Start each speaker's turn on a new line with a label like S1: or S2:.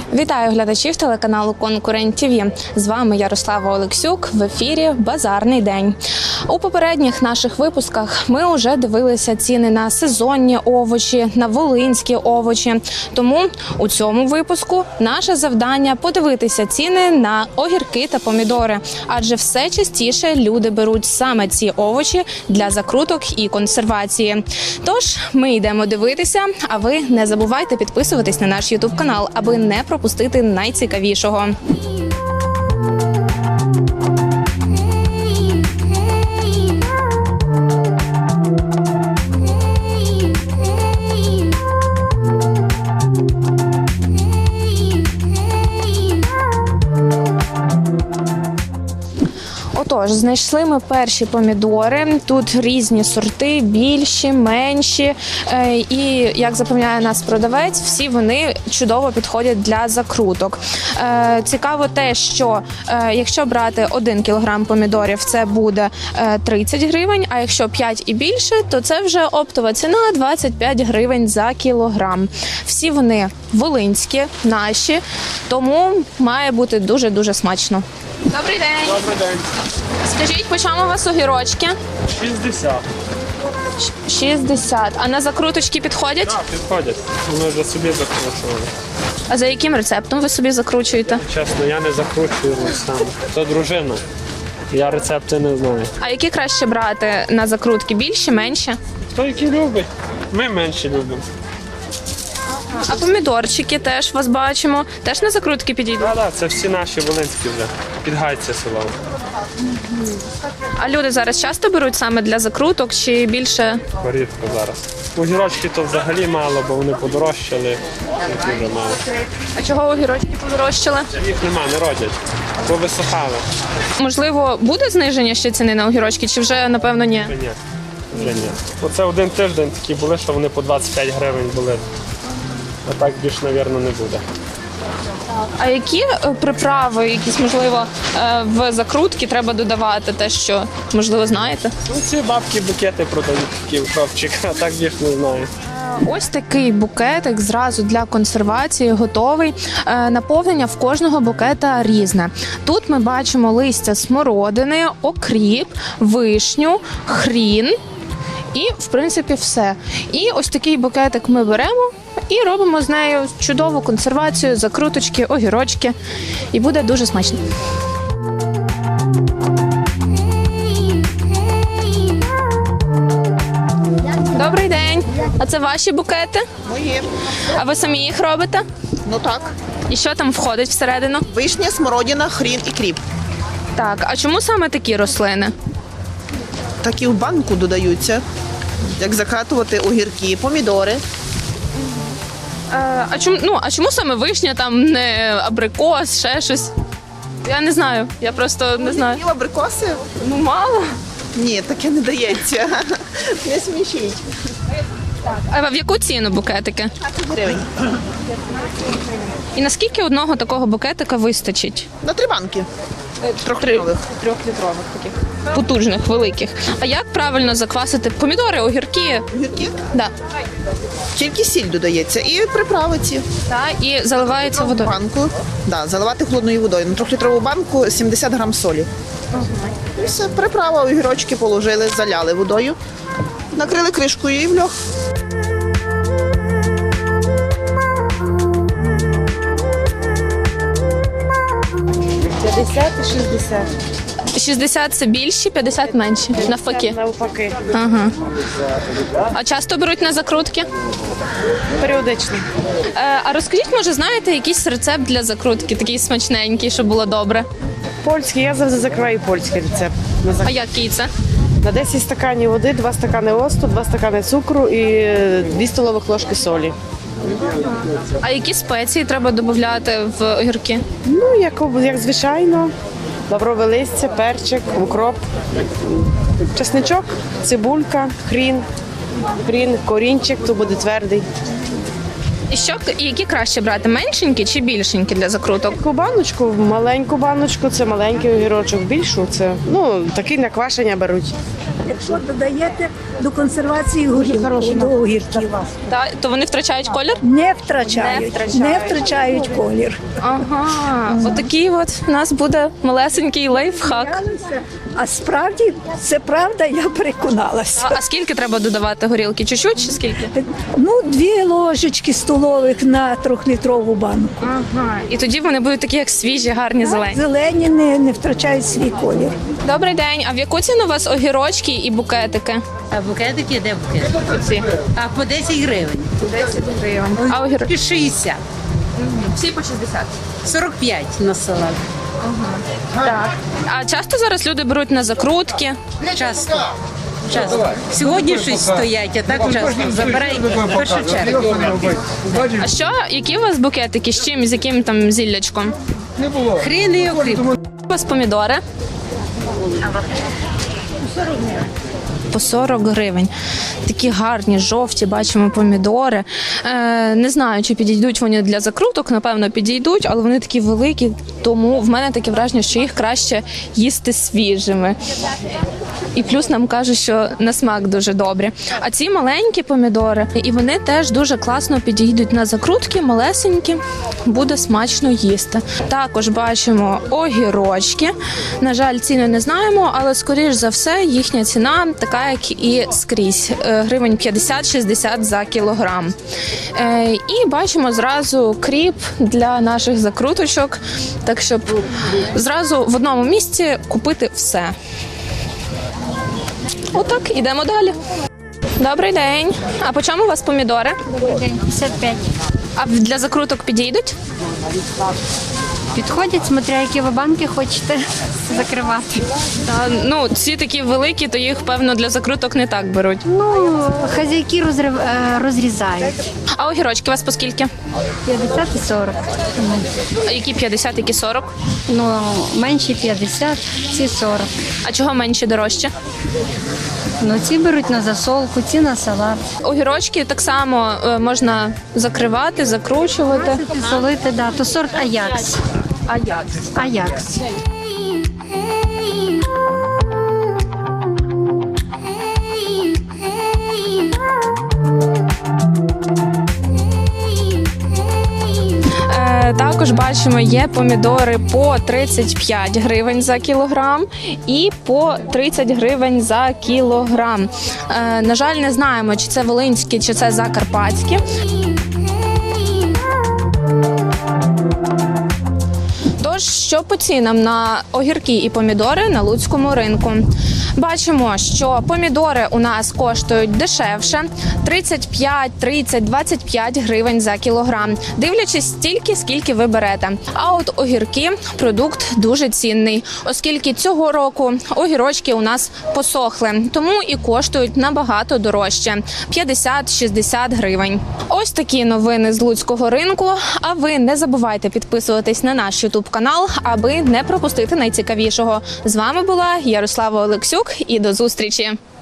S1: Вітаю глядачів телеканалу Конкурент ТВ. З вами Ярослава Олексюк. В ефірі «Базарний день». У попередніх наших випусках ми вже дивилися ціни на сезонні овочі, на волинські овочі. Тому у цьому випуску наше завдання – подивитися ціни на огірки та помідори. Адже все частіше люди беруть саме ці овочі для закруток і консервації. Тож ми йдемо дивитися, а ви не забувайте підписуватись на наш YouTube-канал, аби не пропустити найцікавішого. Отож, знайшли ми перші помідори. Тут різні сорти, більші, менші. І, як запевняє нас продавець, всі вони чудово підходять для закруток. Цікаво те, що якщо брати 1 кілограм помідорів, це буде 30 гривень, а якщо 5 і більше, то це вже оптова ціна 25 гривень за кілограм. Всі вони волинські, наші, тому має бути дуже-дуже смачно. Добрий день.
S2: Добрий день.
S1: Скажіть, по чому у вас огірочки?
S2: 60.
S1: 60. А на закруточки підходять?
S2: Так, підходять. Ми вже собі закручували.
S1: А за яким рецептом ви собі закручуєте?
S2: Чесно, я не закручую сам. То дружина. Я рецепти не знаю.
S1: А які краще брати на закрутки? Більші, менші?
S2: Хто які любить? Ми менше любимо.
S1: А помідорчики теж вас бачимо. Теж на закрутки підійдуть?
S2: Так, це всі наші волинські вже. Підгайці село.
S1: А люди зараз часто беруть саме для закруток чи більше?
S2: Порідко зараз. Огірочки то взагалі мало, бо вони подорожчали. Дуже мало.
S1: А чого огірочки подорожчали?
S2: Їх нема, не родять. Повисохали.
S1: Можливо, буде зниження ще ціни на огірочки, чи вже, напевно, ні?
S2: Вже ні. Вже ні. Оце один тиждень такі були, що вони по 25 гривень були. А так більш, мабуть, не буде.
S1: А які приправи, якісь, можливо, в закрутки треба додавати? Те, що, можливо, знаєте?
S2: Ну, ці бабки букети продають, такі в хлопчик, а так більш не знаю.
S1: Ось такий букетик зразу для консервації готовий. Наповнення в кожного букета різне. Тут ми бачимо листя смородини, окріп, вишню, хрін і, в принципі, все. І ось такий букетик ми беремо і робимо з нею чудову консервацію, закруточки, огірочки. І буде дуже смачно. Добрий день. А це ваші букети?
S3: Мої.
S1: А ви самі їх робите?
S3: Ну так.
S1: І що там входить всередину?
S3: Вишня, смородина, хрін і кріп.
S1: Так, а чому саме такі рослини?
S3: Такі в банку додаються, як закатувати огірки, помідори.
S1: А чому саме вишня, там не абрикос, ще щось? Я не знаю, я просто не знаю.
S3: І абрикоси?
S1: Ну, мало.
S3: Ні, таке не дається. Не смішіть.
S1: А в яку ціну букетики?
S3: 20 гривень.
S1: І наскільки одного такого букетика вистачить?
S3: На 3 банки. Трьохлітрових.
S1: Трьохлітрових таких. Потужних, великих. А як правильно заквасити помідори, огірки?
S3: Огірки?
S1: Да.
S3: Тільки сіль додається. І приправи ці.
S1: Так, і заливається водою.
S3: Банку. Да, заливати холодною водою. На 3-літрову банку 70 грам солі. І все, приправа, огірочки положили, заляли водою. Накрили кришкою і в льох.
S4: 50 і 60.
S1: 60 – це більші, 50 – менші, навпаки.
S4: Навпаки.
S1: Ага. А часто беруть на закрутки?
S4: Періодично.
S1: А розкажіть, може, знаєте якийсь рецепт для закрутки, такий смачненький, щоб було добре?
S4: Польський, я завжди закриваю польський рецепт.
S1: А який це?
S4: На 10 стаканів води, 2 стакани оцту, 2 стакани цукру і 2 столових ложки солі.
S1: А які спеції треба додати в огірки?
S4: Ну, як звичайно, лаврове листя, перчик, укроп, чесничок, цибулька, хрін, корінчик, то буде твердий.
S1: І які краще брати? Меншенькі чи більшенькі для закруток?
S4: Таку баночку, маленьку баночку, це маленький огірочок, більшу це, такий на квашення беруть.
S5: Якщо додаєте до консервації до огірків,
S1: То вони втрачають колір?
S5: не втрачають колір.
S1: Ага, отакий от у нас буде малесенький лайфхак.
S5: А справді, це правда, я переконалася.
S1: А скільки треба додавати горілки? Чуть-чуть чи скільки?
S5: 2 ложечки столових на 3-літрову банку.
S1: Ага. І тоді вони будуть такі, як свіжі, гарні, зелені.
S5: Зелені не втрачають свій колір.
S1: Добрий день. А в яку ціну у вас огірочки і букетики?
S6: А букетики де букет?
S1: Оці.
S6: А по 10 гривень.
S1: 10 гривень. А огірочки?
S6: 60.
S1: Всі по 60.
S6: 45 на салат.
S1: Так. А часто зараз люди беруть на закрутки?
S6: Часто. Сьогодні щось стоять, а так часто. Забирай в першу чергу.
S1: А які у вас букетики? З чим? З яким там зіллячком?
S6: Хрін і окріп.
S1: У вас помідори? По 40 гривень. Такі гарні, жовті, бачимо помідори. Не знаю, чи підійдуть вони для закруток, напевно, підійдуть, але вони такі великі, тому в мене таке враження, що їх краще їсти свіжими. І плюс нам кажуть, що на смак дуже добрі. А ці маленькі помідори, і вони теж дуже класно підійдуть на закрутки, малесенькі, буде смачно їсти. Також бачимо огірочки. На жаль, ціни не знаємо, але скоріш за все їхня ціна така, як і скрізь. Гривень 50-60 за кілограм. І бачимо зразу кріп для наших закруточок, так щоб зразу в одному місці купити все. Отак, ідемо далі. Добрий день. А по чому у вас помідори?
S7: 55.
S1: А для закруток підійдуть?
S7: Підходять, смотря які ви банки хочете закривати.
S1: Ці такі великі, то їх, певно, для закруток не так беруть.
S7: Хазяйки розрізають.
S1: А огірочки у вас по скільки?
S7: 50 і 40.
S1: А які 50, які 40?
S7: Менші 50, ці 40.
S1: А чого менші дорожче?
S7: Ці беруть на засолку, ці на салат.
S1: Огірочки так само можна закривати, закручувати.
S7: Солити, то сорт Аякс. Аякс.
S1: Також бачимо, є помідори по 35 гривень за кілограм і по 30 гривень за кілограм. На жаль, не знаємо, чи це волинські, чи це закарпатські. Тож, що по цінам на огірки і помідори на луцькому ринку? Бачимо, що помідори у нас коштують дешевше – 35, 30, 25 гривень за кілограм, дивлячись стільки, скільки ви берете. А от огірки – продукт дуже цінний, оскільки цього року огірочки у нас посохли, тому і коштують набагато дорожче – 50-60 гривень. Ось такі новини з луцького ринку, а ви не забувайте підписуватись на наш YouTube-канал, аби не пропустити найцікавішого. З вами була Ярослава Олексюк і до зустрічі!